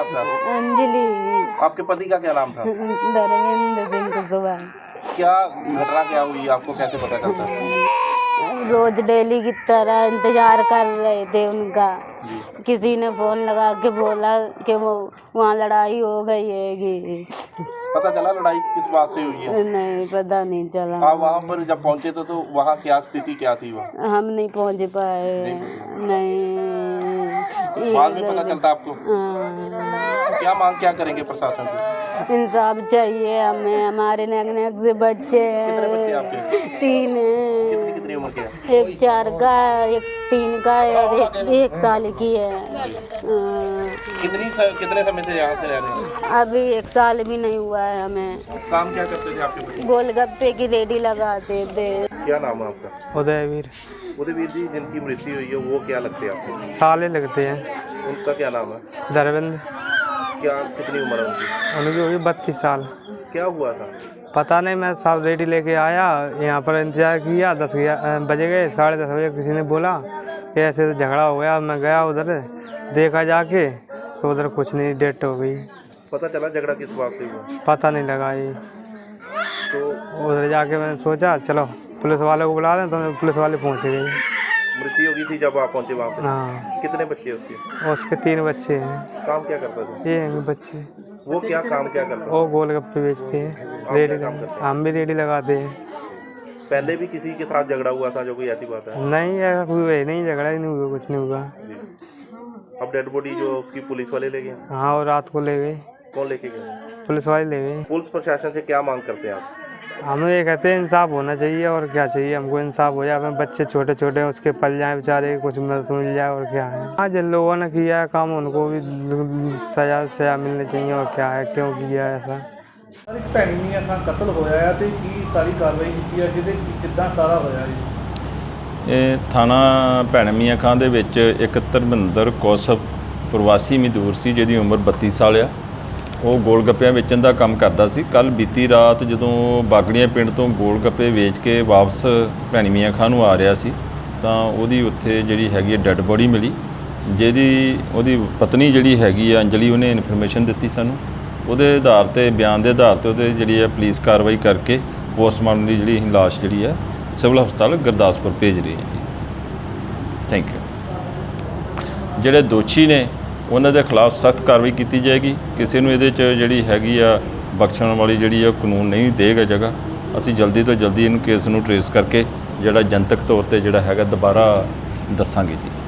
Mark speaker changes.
Speaker 1: आपका?
Speaker 2: अंजलि।
Speaker 1: आपके पति का क्या नाम था?
Speaker 2: धर्मेंद्र सिंह कुशवाहा।
Speaker 1: क्या घटना क्या हुई, आपको कैसे पता चलता है?
Speaker 2: रोज डेली की तरह इंतजार कर रहे थे उनका। किसी ने फोन लगा के बोला कि वो वहाँ लड़ाई हो गई है।
Speaker 1: पता चला लड़ाई किस बात से हुई है?
Speaker 2: नहीं, पता नहीं चला।
Speaker 1: आप वहाँ पर जब पहुँचे तो वहाँ क्या स्थिति क्या थी? वहाँ
Speaker 2: हम नहीं पहुँच पाए। नहीं,
Speaker 1: बाद में पता चलता आपको?
Speaker 2: हाँ।
Speaker 1: क्या मांग क्या करेंगे प्रशासन से?
Speaker 2: इंसाफ चाहिए हमें। हमारे नेक से बच्चे हैं।
Speaker 1: कितने बच्चे आपके?
Speaker 2: 3 हैं।
Speaker 1: कितनी उम्र के हैं?
Speaker 2: एक 4 का, एक 3 का है और एक 1 साल की है।
Speaker 1: कितने समय से यहाँ से रह रहे हैं?
Speaker 2: अभी 1 साल भी नहीं हुआ है हमें।
Speaker 1: काम क्या करते थे आपके बच्चे?
Speaker 2: गोलगप्पे की रेडी लगाते थे।
Speaker 1: क्या नाम है आपका?
Speaker 3: उदयवीर।
Speaker 1: उदयवीर जी, जिनकी मृत्यु हुई है वो क्या लगते हैं आपको?
Speaker 3: साले लगते हैं।
Speaker 1: उनका क्या नाम है?
Speaker 3: धर्मेंद्र।
Speaker 1: क्या कितनी उम्र है उनकी?
Speaker 3: उनकी होगी 32 साल।
Speaker 1: क्या हुआ था?
Speaker 3: पता नहीं, मैं साहब रेडी लेके आया, यहाँ पर इंतजार किया। 10 बजे गए, 10:30 बजे किसी ने बोला कि ऐसे तो झगड़ा हो गया। मैं गया उधर, देखा जाके तो उधर कुछ नहीं, डेथ हो गई।
Speaker 1: पता चला झगड़ा किस बात से हुआ?
Speaker 3: पता नहीं लगा ये।
Speaker 1: तो
Speaker 3: उधर जाके मैंने सोचा चलो पुलिस वाले को बुला लें, तो पुलिस वाले पहुँच गए।
Speaker 1: मृत्यु हो गई थी जब आप पहुँचे वहाँ पे?
Speaker 3: हाँ।
Speaker 1: कितने बच्चे उसके?
Speaker 3: उसके 3 बच्चे हैं।
Speaker 1: काम क्या करता था?
Speaker 3: ये हैं बच्चे।
Speaker 1: वो क्या काम क्या करता?
Speaker 3: वो गोलगप्पे बेचते हैं, रेडी। हम भी रेडी लगाते हैं।
Speaker 1: पहले भी किसी के साथ झगड़ा हुआ था जो कोई ऐसी बात है?
Speaker 3: नहीं, ऐसा कोई हुआ नहीं, झगड़ा ही नहीं हुआ, कुछ नहीं हुआ।
Speaker 1: अब डेड बॉडी जो उसकी पुलिस वाले ले गए?
Speaker 3: हाँ, और रात को ले गए।
Speaker 1: कौन लेके गए?
Speaker 3: पुलिस वाले ले गए।
Speaker 1: पुलिस प्रशासन से क्या मांग करते हैं आप?
Speaker 3: हम ये कहते हैं इंसाफ होना चाहिए, और क्या चाहिए हमको? इंसाफ हो जाए। अपने बच्चे छोटे छोटे हैं, उसके पल जाए बेचारे, कुछ मदद मिल जाए, और क्या है। हाँ, जिन लोगों ने किया है काम उनको भी सजा मिलनी चाहिए, और क्या है, क्यों किया है ऐसा।
Speaker 4: ਇੱਕ ਭੈਣੀ ਮੀਆਂ ਖਾਂ ਕਤਲ ਹੋਇਆ ਹੈ ਤੇ ਕੀ ਸਾਰੀ ਕਾਰਵਾਈ ਕੀਤੀ ਹੈ, ਜਿਹਦੇ ਕਿੱਦਾਂ ਸਾਰਾ ਹੋਇਆ ਜੀ?
Speaker 5: ਇਹ ਥਾਣਾ ਭੈਣ ਮੀਆਂ ਖਾਂ ਦੇ ਵਿੱਚ ਇੱਕ ਧਰਮਿੰਦਰ ਕੌਸ਼ਪ ਪ੍ਰਵਾਸੀ ਮਜ਼ਦੂਰ ਸੀ, ਜਿਹਦੀ ਉਮਰ 32 ਸਾਲ ਆ। ਉਹ ਗੋਲ ਗੱਪਿਆਂ ਵੇਚਣ ਦਾ ਕੰਮ ਕਰਦਾ ਸੀ। ਕੱਲ ਬੀਤੀ ਰਾਤ ਜਦੋਂ ਬਾਗੜੀਆਂ ਪਿੰਡ ਤੋਂ ਗੋਲ ਗੱਪੇ ਵੇਚ ਕੇ ਵਾਪਸ ਭੈਣੀ ਮੀਆਂ ਖਾਂ ਨੂੰ ਆ ਰਿਹਾ ਸੀ, ਤਾਂ ਉਹਦੀ ਉੱਥੇ ਜਿਹੜੀ ਹੈਗੀ ਡੈੱਡ ਬੋਡੀ ਮਿਲੀ, ਉਹਦੀ ਪਤਨੀ ਜਿਹੜੀ ਹੈਗੀ ਆ ਅੰਜਲੀ, ਉਹਨੇ ਇਨਫੋਰਮੇਸ਼ਨ ਦਿੱਤੀ ਸਾਨੂੰ। ਉਹਦੇ ਆਧਾਰ 'ਤੇ, ਬਿਆਨ ਦੇ ਆਧਾਰ 'ਤੇ ਉਹਦੇ ਜਿਹੜੀ ਹੈ ਪੁਲਿਸ ਕਾਰਵਾਈ ਕਰਕੇ ਪੋਸਟਮਾਰਟਮ ਦੀ ਜਿਹੜੀ ਲਾਸ਼ ਜਿਹੜੀ ਹੈ ਸਿਵਲ ਹਸਪਤਾਲ ਗੁਰਦਾਸਪੁਰ ਭੇਜ ਰਹੀ ਹੈ ਜੀ। Thank you. ਜਿਹੜੇ ਦੋਸ਼ੀ ਨੇ ਉਹਨਾਂ ਦੇ ਖਿਲਾਫ ਸਖਤ ਕਾਰਵਾਈ ਕੀਤੀ ਜਾਏਗੀ। ਕਿਸੇ ਨੂੰ ਇਹਦੇ 'ਚ ਜਿਹੜੀ ਹੈਗੀ ਆ ਬਖਸ਼ਣ ਵਾਲੀ ਜਿਹੜੀ ਆ ਕਾਨੂੰਨ ਨਹੀਂ ਦੇਗਾ ਜਗ੍ਹਾ। ਅਸੀਂ ਜਲਦੀ ਤੋਂ ਜਲਦੀ ਇਹਨੂੰ ਕੇਸ ਨੂੰ ਟਰੇਸ ਕਰਕੇ ਜਿਹੜਾ ਜਨਤਕ ਤੌਰ 'ਤੇ ਜਿਹੜਾ ਹੈਗਾ ਦੁਬਾਰਾ ਦੱਸਾਂਗੇ ਜੀ।